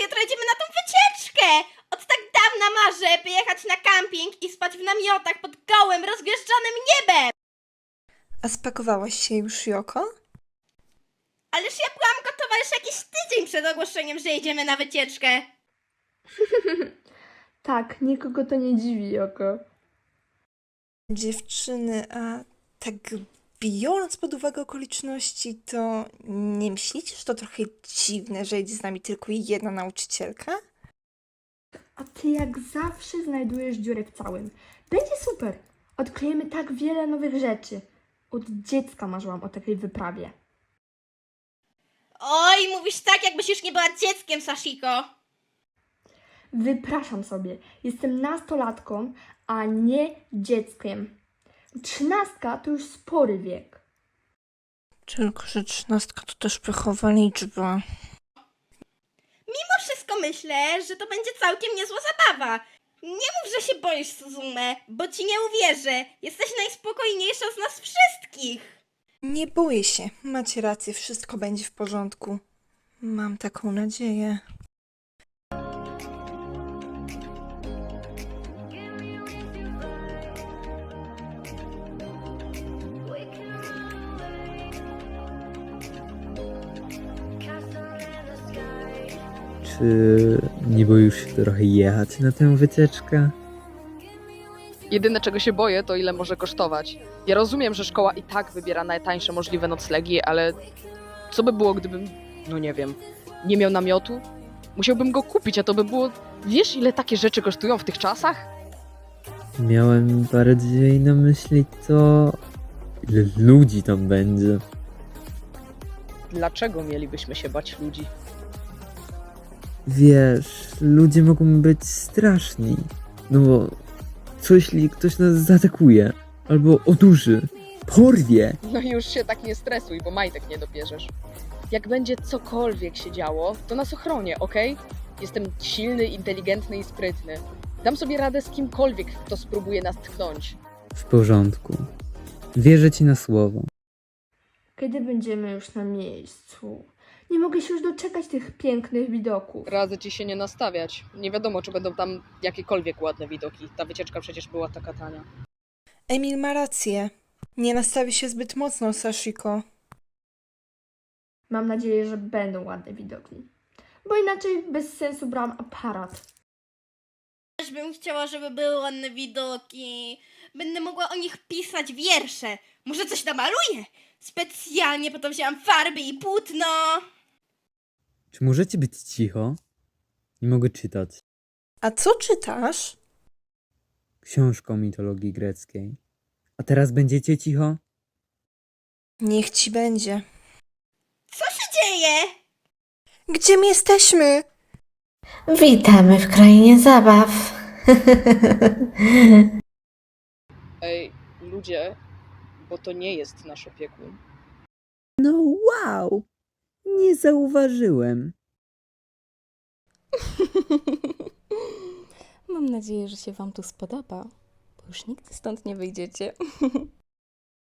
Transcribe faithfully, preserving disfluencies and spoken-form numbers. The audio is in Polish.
jutro jedziemy na tą wycieczkę! Od tak dawna marzę, by jechać na camping i spać w namiotach pod gołym, rozgwieszczonym niebem! A spakowałaś się już, Joko? Ależ ja byłam gotowa już jakiś tydzień przed ogłoszeniem, że jedziemy na wycieczkę. Tak, nikogo to nie dziwi, Joko. Dziewczyny, a tak biorąc pod uwagę okoliczności, to nie myślicie, że to trochę dziwne, że jedzie z nami tylko jedna nauczycielka? A ty jak zawsze znajdujesz dziurę w całym. Będzie super. Odkryjemy tak wiele nowych rzeczy. Od dziecka marzyłam o takiej wyprawie. Oj, mówisz tak, jakbyś już nie była dzieckiem, Sashiko. Wypraszam sobie. Jestem nastolatką, a nie dzieckiem. Trzynastka to już spory wiek. Tylko, że trzynastka to też pechowa liczba. Mimo wszystko myślę, że to będzie całkiem niezła zabawa. Nie mów, że się boisz, Suzume, bo ci nie uwierzę. Jesteś najspokojniejsza z nas wszystkich. Nie boję się. Macie rację, wszystko będzie w porządku. Mam taką nadzieję. Czy nie boisz się trochę jechać na tę wycieczkę? Jedyne czego się boję, to ile może kosztować. Ja rozumiem, że szkoła i tak wybiera najtańsze możliwe noclegi, ale co by było, gdybym, no nie wiem, nie miał namiotu? Musiałbym go kupić, a to by było... Wiesz, ile takie rzeczy kosztują w tych czasach? Miałem bardziej na myśli to, ile ludzi tam będzie. Dlaczego mielibyśmy się bać ludzi? Wiesz, ludzie mogą być straszni. No bo co jeśli ktoś nas zaatakuje? Albo odurzy, porwie? No już się tak nie stresuj, bo majtek nie dopierzesz. Jak będzie cokolwiek się działo, to nas ochronię, okej? Jestem silny, inteligentny i sprytny. Dam sobie radę z kimkolwiek, kto spróbuje nas tknąć. W porządku. Wierzę ci na słowo. Kiedy będziemy już na miejscu? Nie mogę się już doczekać tych pięknych widoków. Radzę ci się nie nastawiać. Nie wiadomo, czy będą tam jakiekolwiek ładne widoki. Ta wycieczka przecież była taka tania. Emil ma rację. Nie nastawi się zbyt mocno, Sashiko. Mam nadzieję, że będą ładne widoki. Bo inaczej bez sensu brałam aparat. Też bym chciała, żeby były ładne widoki. Będę mogła o nich pisać wiersze. Może coś namaluję? Specjalnie po to wzięłam farby i płótno. Czy możecie być cicho? Nie mogę czytać. A co czytasz? Książkę o mitologii greckiej. A teraz będziecie cicho? Niech ci będzie. Co się dzieje? Gdzie my jesteśmy? Witamy w krainie zabaw. Ej, ludzie, bo to nie jest nasz opiekun. No wow! Nie zauważyłem. Mam nadzieję, że się wam tu spodoba, bo już nigdy stąd nie wyjdziecie.